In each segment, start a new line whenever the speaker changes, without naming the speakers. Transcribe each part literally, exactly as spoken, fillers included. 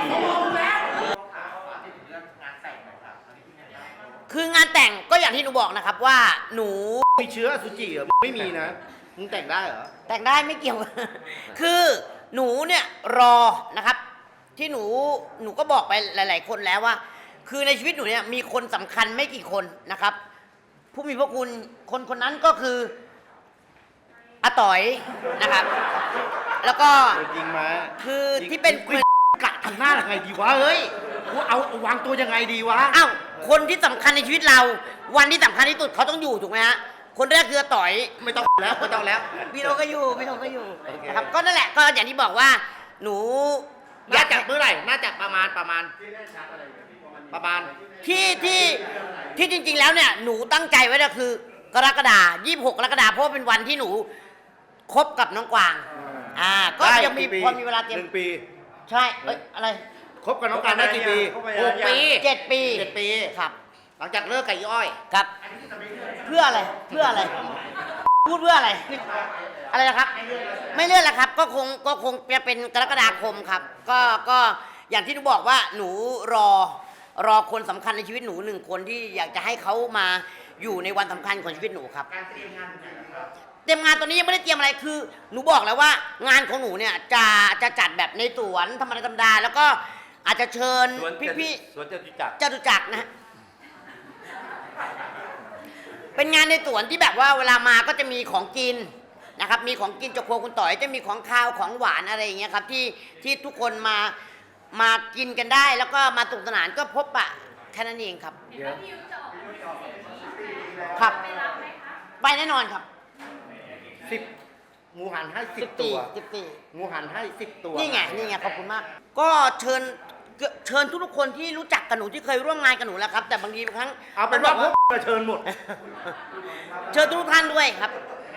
คืองานแต่งก็อย่างที่หนูบอกนะครับว่าหนู
มีเชื้ออสุจิเหรอไม่มีนะมึงแต่งได้เหรอ
แต่งได้ไม่เกี่ยว คือหนูเนี่ยรอนะครับที่หนูหนูก็บอกไปหลาย ๆ คนแล้วว่า คือในชีวิตหนูเนี่ยมีคนสำคัญไม่กี่คนนะครับ ผู้มีพระคุณคนคนนั้นก็คืออาต๋อยนะครับ แล้วก็
ยิงมา
คือที่เป็น
กะทำหน้ายังไงดีวะเฮ้ยกูเอาวางตัวยังไงดีวะ
อ้าวคนที่สำคัญในชีวิตเราวันที่สำคัญที่สุดเขาต้องอยู่ถูกไหมฮะคนแรกคืออาต๋อย
ไม่ต้องแล้วไม่ต้องแล้ว
พี่โนก็อยู่พี่โนก็อยู่นะครับก็นั่นแหละก็อย่างที่บอกว่าหนู
น่าจะเมื่อไหร่น่าจะประมาณประมาณประมาณ
ที่ที่ที่จริง ๆ แล้วเนี่ยหนูตั้งใจไว้ก็คือกรกฎาคมยี่สิบหกกรกฎาคมเพราะเป็นวันที่หนูคบกับน้องกวางอ่าก็ยังมีพอมีเวลาเตรียม
หนึ่งปี
ใช่เอ้ยอะไร
คบกับน้องกวางได้กี่ปี
หกปีเจ็ดปี
เจ็ดปี
ครับ
หลังจากเลิกกับอีอ้อย
ครับเพื่ออะไรเพื่ออะไรพูดเพื่ออะไรอะไรนะครับไม่เลื่อนแล้วครับก็คงก็คงจะเป็นกรกฎาคมครับก็ก็อย่างที่หนูบอกว่าหนูรอรอคนสำคัญในชีวิตหนูหนึ่งคนที่อยากจะให้เขามาอยู่ในวันสำคัญของชีวิตหนูครับการเตรียมงานเตรียมงานตอนนี้ยังไม่ได้เตรียมอะไรคือหนูบอกแล้วว่างานของหนูเนี่ยจะจะจัดแบบในสวนธรรมดาธรรมดาแล้วก็อาจจะเชิญพี่
ๆสวนจตุจักร
จตุจักรนะฮะเป็นงานในสวนที่แบบว่าเวลามาก็จะมีของกินนะครับมีของกินจากครัวคุณต่อยจะมีของข้าวของหวานอะไรอย่างเงี้ยครับที่ที่ทุกคนมามากินกันได้แล้วก็มาสนุกสนานก็พบปะแค่นั้นเองครับครับไปแน่นอนครับ
สิบงูหันให้สิบตัว
สิบปี
งูหันให้สิบตัว
นี่ไงนี่ไงขอบคุณมากก็เชิญเชิญทุกๆคนที่รู้จักกับหนูที่เคยร่วมงานกับหนูแล้วครับแต่บางทีบางครั้ง
เอาเป็นว่าพวกเชิญหมด
เชิญทุกท่านด้วยครับ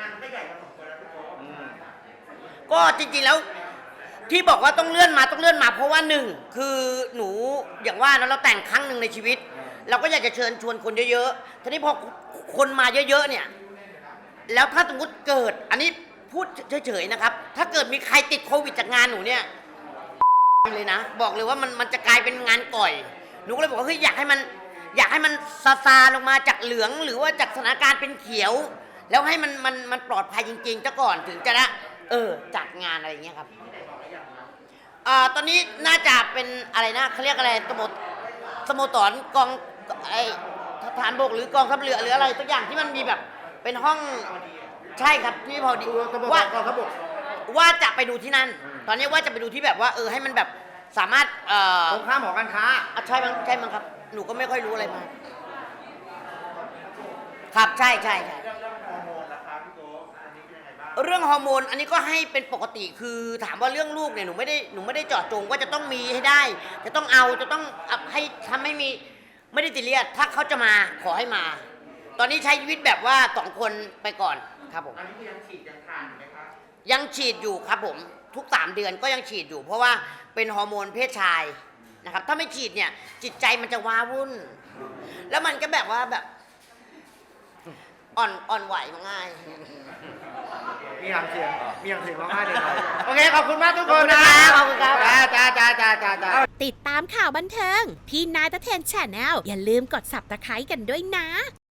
ก็จริงๆแล้วที่บอกว่าต้องเลื่อนมาต้องเลื่อนมาเพราะว่าหนึ่งคือหนูอย่างว่าเราแต่งครั้งหนึ่งในชีวิตเราก็อยากจะเชิญชวนคนเยอะๆทีนี้พอคนมาเยอะๆเนี่ยแล้วถ้าสมมติเกิดอันนี้พูดเฉยๆนะครับถ้าเกิดมีใครติดโควิดจากงานหนูเนี่ยเลยนะบอกเลยว่ามันมันจะกลายเป็นงานก่อยหนูก็เลยบอกว่าเฮ้ยอยากให้มันอยากให้มันซาซาลงมาจากเหลืองหรือว่าจากสถานการณ์เป็นเขียวแล้วให้มันมันมันปลอดภัยจริงๆซะก่อนถึงจะละเออจัดงานอะไรอย่างเงี้ยครับอ่าตอนนี้น่าจะเป็นอะไรนะเขาเรียกอะไรสโมสโมสรกองไอทหารบกหรือกองทัพเรือหรืออะไรตัวอย่างที่มันมีแบบเป็นห้องใช่ครับที่พอดีว่าว่าจะไปดูที่นั่นตอนนี้ว่าจะไปดูที่แบบว่าเออให้มันแบบสามารถเอ่อ
ตรงข้ามหอการค้า
ใช่มั้งใช่มั้งครับหนูก็ไม่ค่อยรู้อะไรมาครับใช่ใช่ใช่เรื่องฮอร์โมนอันนี้ก็ให้เป็นปกติคือถามว่าเรื่องลูกเนี่ยหนูไม่ได้หนูไม่ได้เจาะจงว่าจะต้องมีให้ได้จะต้องเอาจะต้องให้ทำให้มีไม่ได้ติเรียดถ้าเขาจะมาขอให้มาตอนนี้ใช้ชีวิตแบบว่าสองคนไปก่อนครับผม
อันนี้ยังฉีดยังทานอยู่ไหมครับ
ยังฉีดอยู่ครับผมทุกสามเดือนก็ยังฉีดอยู่เพราะว่าเป็นฮอร์โมนเพศชายนะครับถ้าไม่ฉีดเนี่ยจิตใจมันจะว้าวุ่นแล้วมันก็แบบว่าแบบอ่อนอ่อนไหวง่าย
มีหางเสียงมีหางเสียงร้องไห้เลยโอเคขอบคุณมากทุกคนนะ
ขอบคุณครับ
จ้าจ้าจ้าจ้าจ้า
ติดตามข่าวบันเทิงพี่นายตะเทนแชนแนลอย่าลืมกด ซับสไครบ์ กันด้วยนะ